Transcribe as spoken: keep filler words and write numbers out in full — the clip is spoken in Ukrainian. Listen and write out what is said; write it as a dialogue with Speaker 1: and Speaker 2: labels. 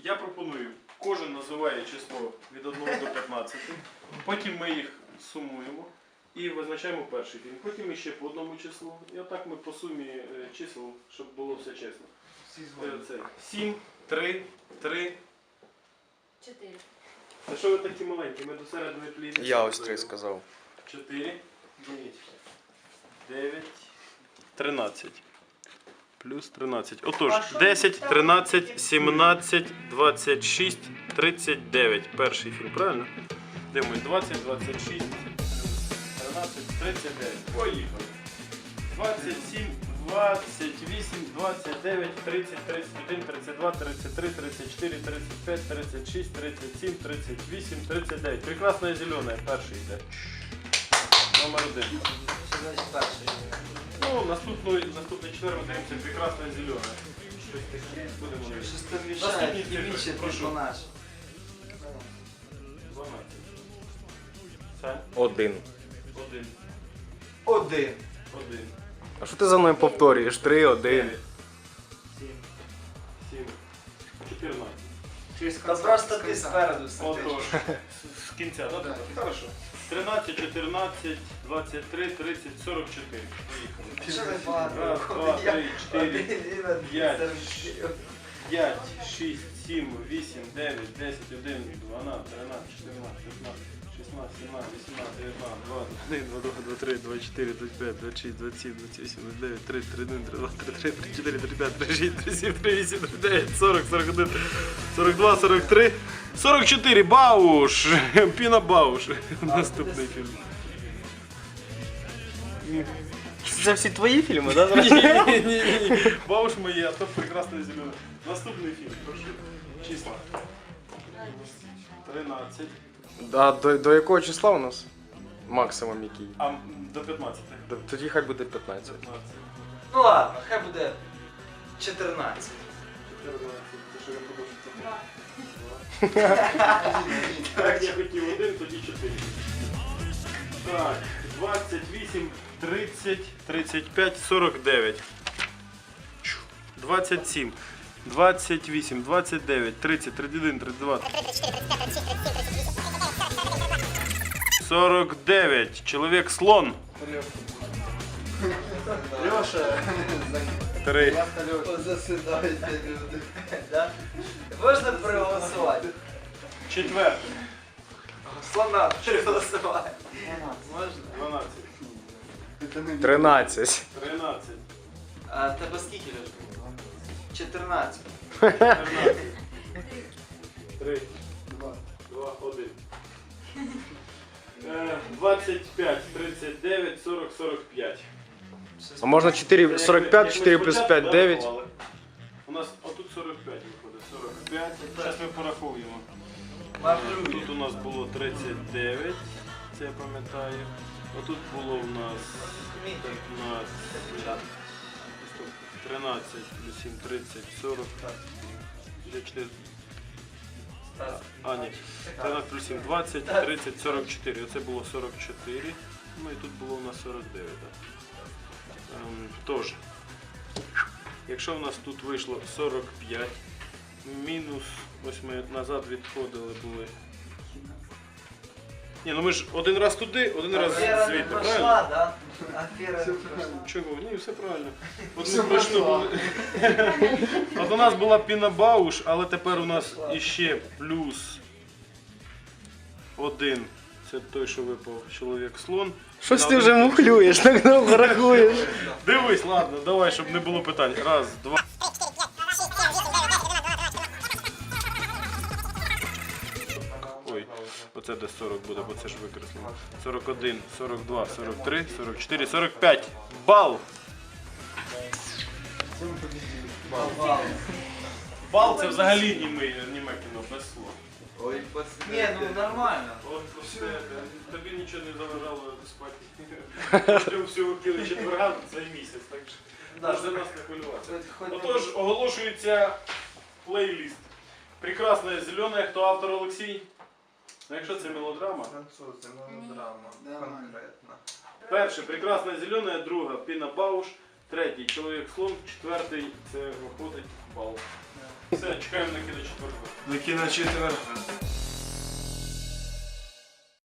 Speaker 1: Я пропоную, кожен називає число від одного до п'ятнадцяти, потім ми їх сумуємо і визначаємо перший фільм. Потім ще по одному числу. І отак ми по сумі е, чисел, щоб було все чесно. Е, це сім, три, три.
Speaker 2: чотири.
Speaker 1: Та що ви такі маленькі? Ми до середини пліни.
Speaker 3: Я ось три сказав.
Speaker 1: чотири, дев'ять, тринадцять. Плюс тринадцять. Отож, десять, тринадцять, сімнадцять, двадцять шість, тридцять дев'ять. Перший фільм, правильно? Дивимось, двадцять, двадцять шість, тринадцять, тридцять дев'ять. Поїхали. двадцять сім, двадцять вісім, двадцять дев'ять, тридцять, тридцять один, тридцять два, тридцять три, тридцять чотири, тридцять п'ять, тридцять шість, тридцять сім, тридцять вісім, тридцять дев'ять. Прекрасне зелене. Перший йде. Номер один. Ну, наступний, наступний четвер ми даємося прекрасне зелене. Щось таке. Будемо дивитися.
Speaker 4: Щось там
Speaker 1: Наступні
Speaker 4: мішає,
Speaker 1: цифри,
Speaker 4: більше
Speaker 1: прошу.
Speaker 4: персонаж.
Speaker 1: дванадцять. Сань?
Speaker 3: Один.
Speaker 1: Один.
Speaker 4: Один.
Speaker 1: Один.
Speaker 3: А що ти за мною повторюєш? Три, один.
Speaker 1: Дев'ять. Сім. Сім. Чотирнадцять.
Speaker 4: Та просто ти спереду сидиш.
Speaker 1: Отож. З- З кінця, так? Да? Хорошо. тринадцять, чотирнадцять, двадцять три, тридцять, сорок чотири. Поїхали.
Speaker 4: Що ти багато?
Speaker 1: Раз, два,
Speaker 4: Я
Speaker 1: три, чотири,
Speaker 4: один, він один,
Speaker 1: п'ять.
Speaker 4: сорок чотири.
Speaker 1: п'ять, шість, сім, вісім, дев'ять, десять, одинадцять, дванадцять, тринадцять, чотирнадцять, п'ятнадцять, шістнадцять, сімнадцять, вісімнадцять, дев'ятнадцять, двадцять, один, двадцять два, двадцять три, двадцять чотири, двадцять п'ять, двадцять шість, двадцять сім, двадцять вісім, двадцять дев'ять, тридцять, тридцять один, тридцять два, тридцять три, тридцять чотири, тридцять п'ять, тридцять шість, тридцять сім, тридцять вісім, тридцять дев'ять, сорок, сорок один, сорок два, сорок три, сорок чотири. Бауш! Піна Бауш. Наступний фільм.
Speaker 3: Це всі твої фільми, так?
Speaker 1: Ні-ні-ні. Бауш мої, а то прекрасне зелене. Наступний фільм, прошу. Числа. тринадцять.
Speaker 3: А до, до якого числа у нас? Максимум який?
Speaker 1: А м, до п'ятнадцяти.
Speaker 3: Д- Тоді хай буде п'ятнадцять.
Speaker 1: п'ятнадцять.
Speaker 4: Ну ладно, хай буде чотирнадцять.
Speaker 1: чотирнадцять. Це що я подумав, що це
Speaker 2: Два.
Speaker 1: Так, я хотів один, тоді чотири. Так, двадцять вісім, тридцять, тридцять п'ять, сорок дев'ять. двадцять сім, двадцять вісім, двадцять дев'ять, тридцять, тридцять один, тридцять два. сорок дев'ять. Чоловік слон.
Speaker 4: Леша,
Speaker 1: Три.
Speaker 4: засидаєте люди. Да? Можна проголосувати?
Speaker 1: Четвер.
Speaker 4: Слона проголосувати. Можна?
Speaker 1: дванадцять.
Speaker 3: Тринадцять.
Speaker 1: тринадцять.
Speaker 4: А тебе скільки, Леша? чотирнадцять.
Speaker 1: чотирнадцять. Три. Два. Два. Один. Е, двадцять п'ять, тридцять дев'ять, сорок, сорок п'ять.
Speaker 3: А можна чотири, сорок п'ять, чотири плюс п'ять, дев'ять.
Speaker 1: У нас отут сорок п'ять виходить. сорок п'ять. Зараз ми порахуємо. Тут у нас було тридцять дев'ять, це я пам'ятаю. Отут було у нас п'ятнадцять, тринадцять, плюс сім, тридцять, сорок. чотири. А, ні. тринадцять плюс сім, двадцять, тридцять, сорок чотири. Оце було сорок чотири. Ну і тут було у нас сорок дев'ять. Так. Ем, тож, якщо в нас тут вийшло сорок п'ять, мінус, ось ми назад відходили були. Ні, ну ми ж один раз туди, один раз
Speaker 4: Афера не
Speaker 1: звідти,
Speaker 4: пройшла,
Speaker 1: правильно?
Speaker 4: да? Афера не пройшла.
Speaker 1: Чого? Ні, все правильно. От, ми пройшли були. От у нас була Піна Бауш, але тепер у нас іще плюс один. Це той, що випав чоловік слон.
Speaker 3: Щось ти вже мухлюєш, так довго рахуєш.
Speaker 1: Дивись, ладно, давай, щоб не було питань. Раз, два. Ой, оце десь сорок буде, бо це ж викреслено. сорок один, сорок два, сорок три, сорок чотири, сорок п'ять. Бал! Бал це взагалі німе, німе кіно, без слов.
Speaker 4: Ой, Ні, ну нормально.
Speaker 1: От все, тобі нічого не заважало спати. Вже всього кили четверга цей місяць, так що
Speaker 4: Да.
Speaker 1: можна нас не хвилюватися.
Speaker 4: Хоч- хоч-
Speaker 1: Отож, оголошується плейліст. Прекрасне зелене, хто автор Олексій? Ну, якщо це мелодрама.
Speaker 4: Французи, мелодрама, конкретно.
Speaker 1: Перше, прекрасне зелене, друга Піна Бауш, Третій чоловік слон, четвертий це виходить бал. Все, чекаємо на кіно четвертого.
Speaker 3: До кіно четверга.